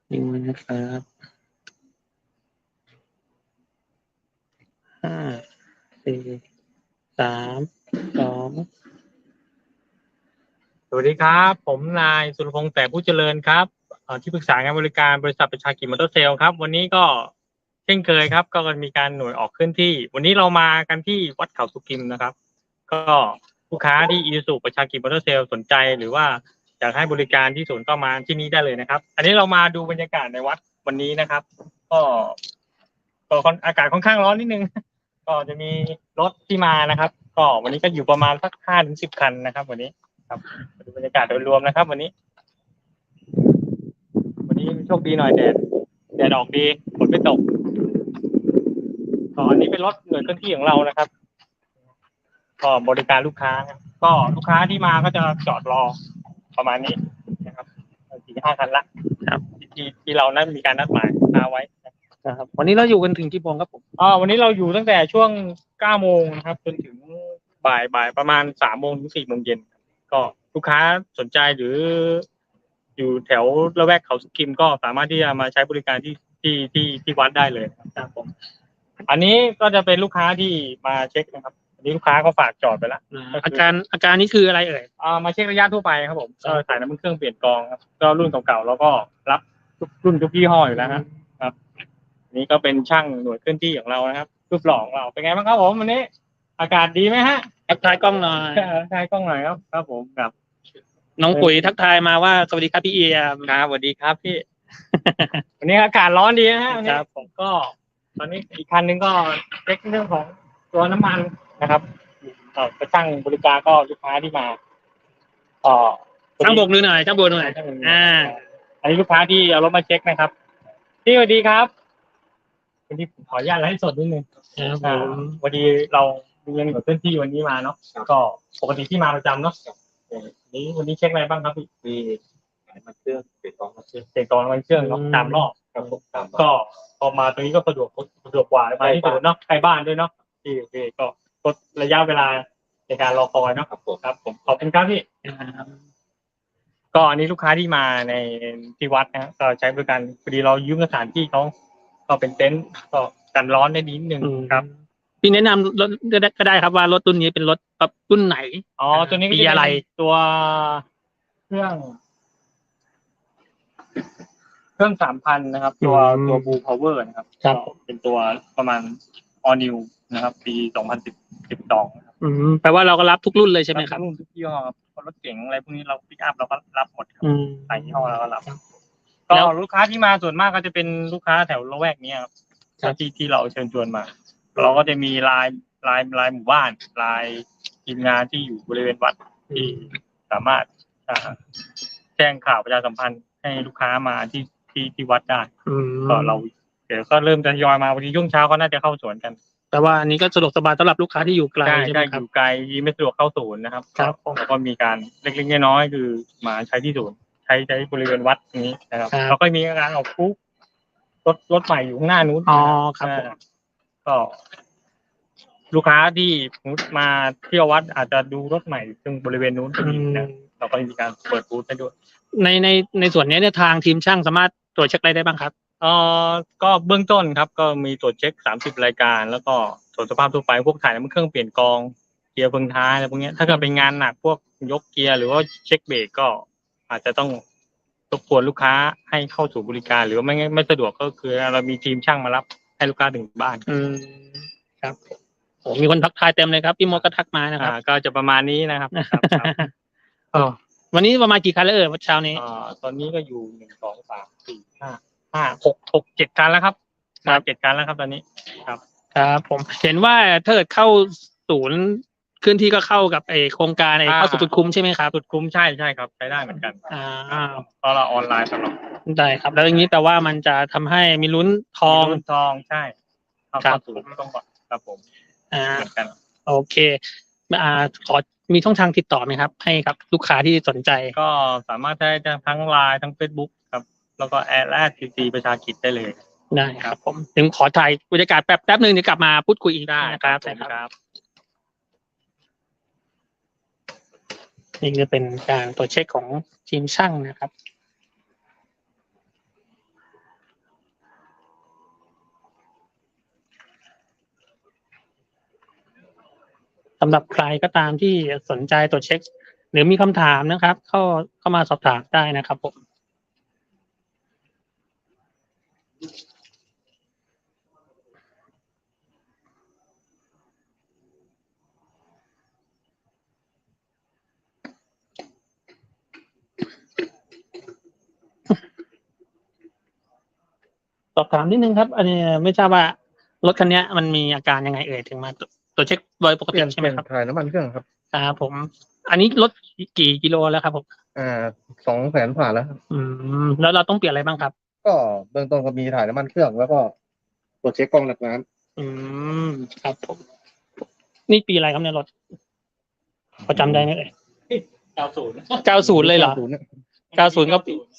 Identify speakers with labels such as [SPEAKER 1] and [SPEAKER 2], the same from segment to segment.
[SPEAKER 1] นิ่งนะครับห้าสี่สามสอง
[SPEAKER 2] สวัสดีครับผมนายสุรพงษ์แต่ผู้เจริญครับที่ปรึกษางานบริการบริษัทประชากิจมอเตอร์เซลครับวันนี้ก็เช่นเคยครับก็มีการหน่วยออกเคลื่อนที่วันนี้เรามากันที่วัดเขาสุกิมนะครับก็ลูกค้าที่อีซูประชากิจมอเตอร์เซลสนใจหรือว่าอยากให้บริการที่ศูนย์ก็มาที่นี้ได้เลยนะครับอันนี้เรามาดูบรรยากาศในวัดวันนี้นะครับก็อากาศค่อนข้างร้อนนิดนึงก็จะมีรถที่มานะครับก็วันนี้ก็อยู่ประมาณสัก5 ถึง 10 คันนะครับวันนี้ครับดูบรรยากาศโดยรวมนะครับวันนี้โชคดีหน่อยแดดออกดีฝนไม่ตกอันนี้เป็นรถหน่วยเคลื่อนที่ของเรานะครับก็บริการลูกค้าก็ลูกค้าที่มาก็จะจอดรอประมาณนี้นะครับ4-5 คันละครับที่เรานั้นมีการนัดหมายลูกค้าไว้
[SPEAKER 1] ครับวันนี้เราอยู่กันถึงกี่โมงครับผม
[SPEAKER 2] วันนี้เราอยู่ตั้งแต่ช่วง9 โมงนะครับจนถึงบ่ายประมาณ3 โมงถึง4 โมงเย็นก็ลูกค้าสนใจหรืออยู่แถวละแวกเขาสุกิมก็สามารถที่จะมาใช้บริการที่วัดได้เลยครับผมอันนี้ก็จะเป็นลูกค้าที่มาเช็คนะครับอันนี้ลูกค้าเขาฝากจอดไปแล้ว
[SPEAKER 1] อาการนี้คืออะไรเอ่ย
[SPEAKER 2] มาเช็คระยะทั่วไปครับผมก็ถ่ายน้ำมันเครื่องเปลี่ยนกรองครับก็รุ่นเก่าๆแล้วก็รับรุ่นทุกยี่ห้ออยู่แล้วครับนี่ก็เป็นช่างหน่วยเคลื่อนที่ของเรานะครับรูปหล่อของเราเป็นไงบ้างครับผมวันนี้อากาศดีไหมฮะ
[SPEAKER 1] ทักทายกล้องหน่อย
[SPEAKER 2] ครับผมครับ
[SPEAKER 1] น้องปุ๋ยทักทายมาว่าสวัสดีครับพี่เอียม
[SPEAKER 2] ครับสวัสดีครับพี่ วันนี้อากาศร้อนดีนะฮะ
[SPEAKER 1] ครับผม
[SPEAKER 2] ก็ตอนนี้อีกคันนึงก็เช็คเรื่องของตัวน้ำมันนะครับไปช่างบริการก็ลูกค้าที่มา
[SPEAKER 1] ช่างโบกมือหน่อยช่างโบกหน่อย
[SPEAKER 2] อันนี้ลูกค้าที่เอารถมาเช็คนะครับพี่สวัสดีครับวันนี้ขออนุญาตไลฟ์สดนิดนึงวันนี้เรามีเงินกับเพื่อนที่วันนี้มาเนาะก็ปกติที่มาประจำเนาะวันนี้เช็คอะไรบ้างครับพี่
[SPEAKER 3] มีมันเครื่องเปลี่ยนกองมันเครื่อง
[SPEAKER 2] เช็คกองมันเครื่องเนาะ3 รอบครับก็พอมาตรงนี้ก็สะดวกกว่ามาที่ศูนย์เนาะใกล้บ้านด้วยเนาะที่ก็ลดระยะเวลาในการรอคอยเนาะครับผมขอบคุณครับพี่ก็อันนี้ลูกค้าที่มาในที่วัดนะก็ใช้บริการพอดีเรายืมสถานที่เขาก็เป็นเต็นท์ก็กันร้อนได้นิดนึงครับ
[SPEAKER 1] พี่แนะนำรถก็ได้ครับว่ารถรุ่นนี้เป็นรถแบบรุ่นไหน
[SPEAKER 2] ตัวนี้
[SPEAKER 1] มีอะไร
[SPEAKER 2] ตัวเครื่อง3,000นะครับตัวบูพาวเวอร์นะครับเป็นตัวประมาณ all new นะครับปี2012นะครับ
[SPEAKER 1] แปลว่าเราก็รับทุกรุ่นเลยใช่ไหมครับ
[SPEAKER 2] รุ่นทุกยี่ห้อครับรถเก๋งอะไรพวกนี้เราปิกอัพเราก็รับหมดครับใส่ยี่ห้อเราก็รับก็ลูกค้าที่มาส่วนมากก็จะเป็นลูกค้าแถวละแวกนี้ครับที่เราเชิญชวนมาเราก็จะมีลายหมู่บ้านลายทีมงานที่อยู่บริเวณวัดที่สามารถแจ้งข่าวประชาสัมพันธ์ให้ลูกค้ามาที่วัดได้ก็เราเดี๋ยวก็เริ่มทยอยมาวันนี้ช่วงเช้าก็น่าจะเข้าสวนกัน
[SPEAKER 1] แต่ว่าอันนี้ก็สะดวกสบายสำหรับลูกค้าที่อยู่ไกลใช่ไหมครับ
[SPEAKER 2] อยู่ไกลไม่สะดวกเข้าศูนย์นะครับแล้วก็มีการเล็กๆน้อยๆคือมาใช้ที่ศูนย์ใช้บริเวณวัดนี้นะครับแล้วก็มีการออกคุกรถใหม่อยู่ข้างหน้านู้น
[SPEAKER 1] ครับ
[SPEAKER 2] ก็ลูกค้าที่มาเที่ยววัดอาจจะดูรถใหม่ซึ่งบริเวณนู้นก็มีนะเราก็มีการเปิดบูธให้ด้วย
[SPEAKER 1] ในส่วนนี้เนี่ยทางทีมช่างสามารถตรวจเช็คอะไรได้บ้างครับ
[SPEAKER 2] ก็เบื้องต้นครับก็มีตรวจเช็ค30 รายการแล้วก็ตรวจสภาพทั่วไปพวกถ่ายน้ำมันเครื่องเปลี่ยนกองเกียร์เฟืองท้ายอะไรพวกนี้ถ้าเกิดเป็นงานหนักพวกยกเกียร์หรือว่าเช็คเบรกก็อาจจะต้องรบกวนลูกค้าให้เข้าสู่บริการหรือไม่สะดวกก็คือเรามีทีมช่างมารับให้ลูกค้าถึงบ้าน
[SPEAKER 1] ครับมีคนทักทายเต็มเลยครับพี่มดก็ทักมานะครับ
[SPEAKER 2] ก็จะประมาณนี้นะครับ
[SPEAKER 1] วันนี้ประมาณกี่คันแล้ววันเช้านี้
[SPEAKER 2] ตอนนี้ก็อยู่1 2 3 4 5 6 7 คันแล้วครับ7 คันแล้วครับตอนนี้
[SPEAKER 1] ครับผมเห็นว่าถ้าเกิดเข้าศูนย์เคลื่อนที่ก็เข้ากับโครงการเข้าสู่จุดคุ้มใช่ไหมครับ
[SPEAKER 2] จุดคุ้มใช่ครับใช้ได้เหมือนกันเพราะเราออนไลน์ตลอด
[SPEAKER 1] ได้ครับแล้วอย่างนี้แปลว่ามันจะทำให้มีลุ้นทอง
[SPEAKER 2] ใช่ครับผมต้องบอกครับผมเหมือนกัน
[SPEAKER 1] โอเคขอมีช่องทางติดต่อไหมครับให้กับลูกค้าที่สนใจ
[SPEAKER 2] ก็สามารถได้ทั้งไลน์ทั้ง Facebook ครับแล้วก็แอดทีประชากิจได้เลย
[SPEAKER 1] ได้ครับผมถึงขอถ่ายบรรยากาศแป๊บนึงเดี๋ยวกลับมาพูดคุยอีก
[SPEAKER 2] ได้
[SPEAKER 1] นะครับนี่จะเป็นการตรวจเช็คของทีมช่างนะครับสำหรับใครก็ตามที่สนใจตรวจเช็ค หรือมีคำถามนะครับเข้ามาสอบถามได้นะครับผมสอบถามนิดนึงครับ อันนี้ไม่ทราบว่ารถคันนี้มันมีอาการยังไงเอ่ยถึงมาตรวจเช็คโดยปกติใช่ไหมครับ
[SPEAKER 4] ถ่ายน้ำมันเครื่องครับ
[SPEAKER 1] ครับผม อันนี้รถกี่กิโลแล้วครับผม
[SPEAKER 4] 200,000ผ่านแล้วครับ
[SPEAKER 1] แล้วเราต้องเปลี่ยนอะไรบ้างครับ
[SPEAKER 4] ก็เบื้องต้นก็มีถ่ายน้ำมันเครื่องแล้วก็ตรวจเช็คกล้องหนักน้
[SPEAKER 1] ครับผม นี่ปีอะไรครับเนี่ยรถพอจำได้ไหมเอ่ย
[SPEAKER 2] 90
[SPEAKER 1] 90เลยเหรอ
[SPEAKER 4] 90เนี่ย
[SPEAKER 1] 90ก็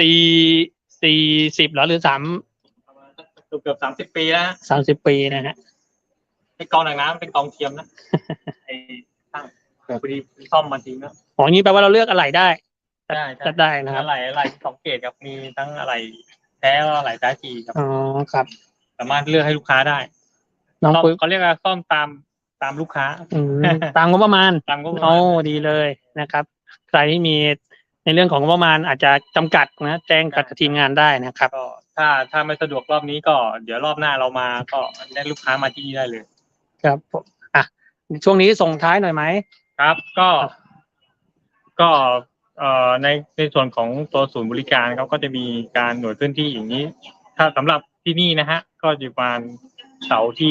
[SPEAKER 1] 40เหรอหรือ
[SPEAKER 2] เกือบ30 ปีแล้ว
[SPEAKER 1] 30 ปีนะฮะ
[SPEAKER 2] ไอ้กองหนังน้ำเป็นกองเทียมนะไอ้ตั้งพอดีซ่อมมาทิ้งนะ
[SPEAKER 1] อ๋ออย่างนี้แปลว่าเราเลือกอะไรได้
[SPEAKER 2] ได้
[SPEAKER 1] จัดได้นะครับ
[SPEAKER 2] อะไร2 เกรดครับมีทั้งอะไรแท้และอะไรแท้จีครับ
[SPEAKER 1] อ๋อครับ
[SPEAKER 2] สามารถเลือกให้ลูกค้าได้
[SPEAKER 1] น้อง
[SPEAKER 2] ซ่อม
[SPEAKER 1] ปุ้ย
[SPEAKER 2] เขาเรียกว่าซ่อมตามลูกค้า
[SPEAKER 1] ตามงบประมาณ
[SPEAKER 2] ตามก็
[SPEAKER 1] โอ้ดีเลยนะครับ ใครที่มีในเรื่องของงบประมาณอาจจะจำกัดนะแจ้งกับทีมงานได้นะครับ
[SPEAKER 2] ก็ถ้าไม่สะดวกรอบนี้ก็เดี๋ยวรอบหน้าเรามาก็ได้ลูกค้ามาที่นี่ได้เลย
[SPEAKER 1] ครับผมช่วงนี้ส่งท้ายหน่อยไหม
[SPEAKER 2] ครับก็ในส่วนของตัวศูนย์บริการเขาก็จะมีการหน่วยเคลื่อนที่อย่างนี้ ถ้าสำหรับที่นี่นะฮะ ก็จะประมาณเสาร์ที่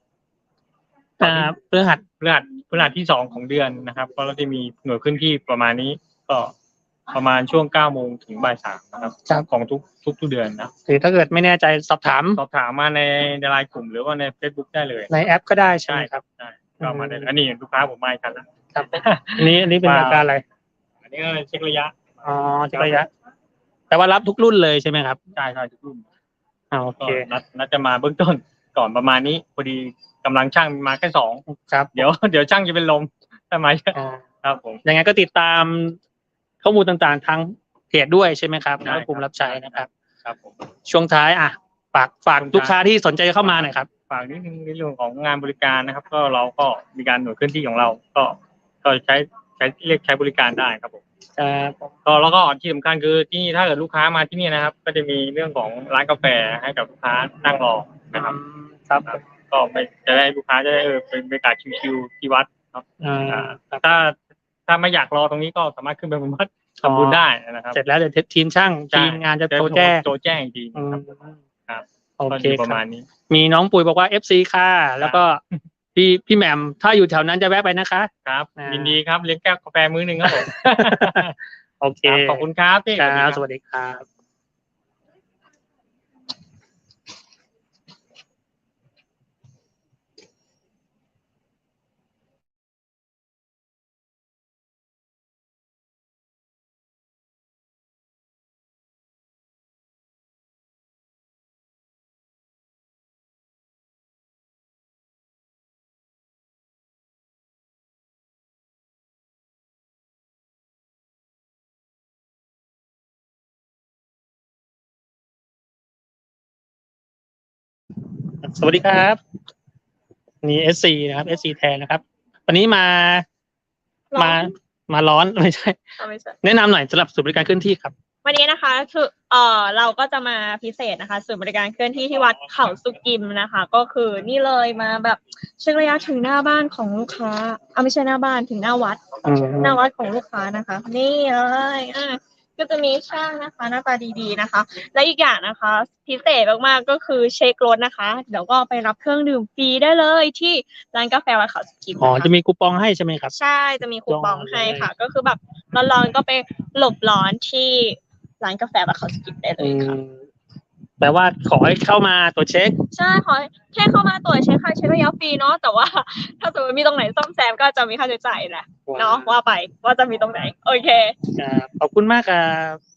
[SPEAKER 1] พฤหัส
[SPEAKER 2] พฤหัสที่2ของเดือนนะครับก็เราจะมีหน่วยเคลื่อนที่ประมาณนี้ก็ประมาณช่วง9 โมงถึงบ่าย 3นะครับของทุกเดือนนะ
[SPEAKER 1] หรือถ้าเกิดไม่แน่ใจสอบถาม
[SPEAKER 2] สอบถามมาในไลน์กลุ่มหรือว่าใน Facebook ได้เลย
[SPEAKER 1] ในแอปก็ได้ใช่ไหมครับ
[SPEAKER 2] ใช่ก็มาได้เลยอันนี้ลูกค้าผมมาอีกคันแล้ว
[SPEAKER 1] ครับอันนี้เป็นอาการอะไร
[SPEAKER 2] อันนี้ก็เช็คระยะ
[SPEAKER 1] อ๋อเช็คระยะ แต่ว่ารับทุกรุ่นเลยใช่ไหมครับ
[SPEAKER 2] ใช่ทุกรุ่น
[SPEAKER 1] โอ
[SPEAKER 2] ก็
[SPEAKER 1] เค
[SPEAKER 2] นัดจะมาเบื้องต้นก่อนประมาณนี้พอดีกำลังช่างมาแค่2
[SPEAKER 1] ครับ
[SPEAKER 2] เดี๋ยวช่างจะเป็นลมทำไมครับผม
[SPEAKER 1] ยังไงก็ติดตามข้อมูลต่างๆทางเพจด้วยใช่ไหมครับแล้วก็กลุ่มรับใช้นะครับ
[SPEAKER 2] ครับผม
[SPEAKER 1] ช่วงท้ายฝากลูกค้าที่สนใจจะเข้ามาหน่อยครับ
[SPEAKER 2] ฝากนิดนึงในเรื่องของงานบริการนะครับ ก็เราก็มีการหน่วยเคลื่อนที่ของเรา ก็ใช้เรียกใช้บริการได้ครับผมก็แล้วก็ที่สำคัญคือที่นี่ถ้าเกิดลูกค้ามาที่นี่นะครับ ก็จะมีเรื่องของร้านกาแฟให้กับลูกค้านั่งรอนะครับ
[SPEAKER 1] ครับ
[SPEAKER 2] ก็ไม่จะได้ลูกค้าจะได้เป็นบรรยากาศชิลๆที่วัดครับถ้าไม่อยากรอตรงนี้ก็สามารถขึ้นไปบนวัดทำบุญได้นะครับ
[SPEAKER 1] เสร็จแล้วเดี๋ยวทีมช่างทีมงานจะโทรแจ้ง
[SPEAKER 2] จริงครับ
[SPEAKER 1] โอเค
[SPEAKER 2] ประมาณนี้
[SPEAKER 1] มีน้องปุ๋ยบอกว่า FC ค่ะแล้วก็พี่แหม่มถ้าอยู่แถวนั้นจะแวะไปนะคะ
[SPEAKER 2] ครับยินดีครับเลี้ยงแก้วกาแฟมื้อนึงครับผม
[SPEAKER 1] โอเค
[SPEAKER 2] ขอบคุณครับพี่
[SPEAKER 1] ครับสวัสดีครับ สวัสดีครับนี่ SC นะครับ SC แทนนะครับ วันนี้มาร้อนไม่ใช่
[SPEAKER 5] ไม่ใช่
[SPEAKER 1] แนะนำหน่อยสำหรับศูนย์บริการเคลื่อนที่ครับ
[SPEAKER 5] วันนี้นะคะคือเราก็จะมาพิเศษนะคะศูนย์บริการเคลื่อนที่ที่วัดเขาสุกิมนะคะ ก็คือนี่เลยมาแบบเช็คระยะถึงหน้าบ้านของลูกค้าไม่ใช่หน้าบ้านถึงหน้าวัดของลูกค้านะคะ นี่เลยก็จะมีช่างนะคะหน้าตาดีๆนะคะ และอีกอย่างนะคะ พิเศษมากๆก็คือเช็ครถนะคะเดี๋ยวก็ไปรับเครื่องดื่มฟรีได้เลยที่ร้านกาแฟวัดเขาสุกิม
[SPEAKER 1] อ๋อจะมีคูปองให้ใช่ไหมครับ
[SPEAKER 5] ใช่จะมีคูปองให้ค่ะ ก็คือแบบร้อนๆก็ไปหลบร้อนที่ร้านกาแฟวัดเขาสุกิมได้เลยค่ะ
[SPEAKER 1] แปลว่าขอให้เข้ามาตรวจเช็ค
[SPEAKER 5] ใช่ขอแค่เข้ามาตรวจเช็คค่ะเช็คระยะฟรีเนาะแต่ว่าถ้าสมมติมีตรงไหนซ่อมแซมก็จะมีค่าใช้จ่ายแหละเนาะว่าไปว่าจะมีตรงไหนโอเค
[SPEAKER 1] ขอบคุณมากครับ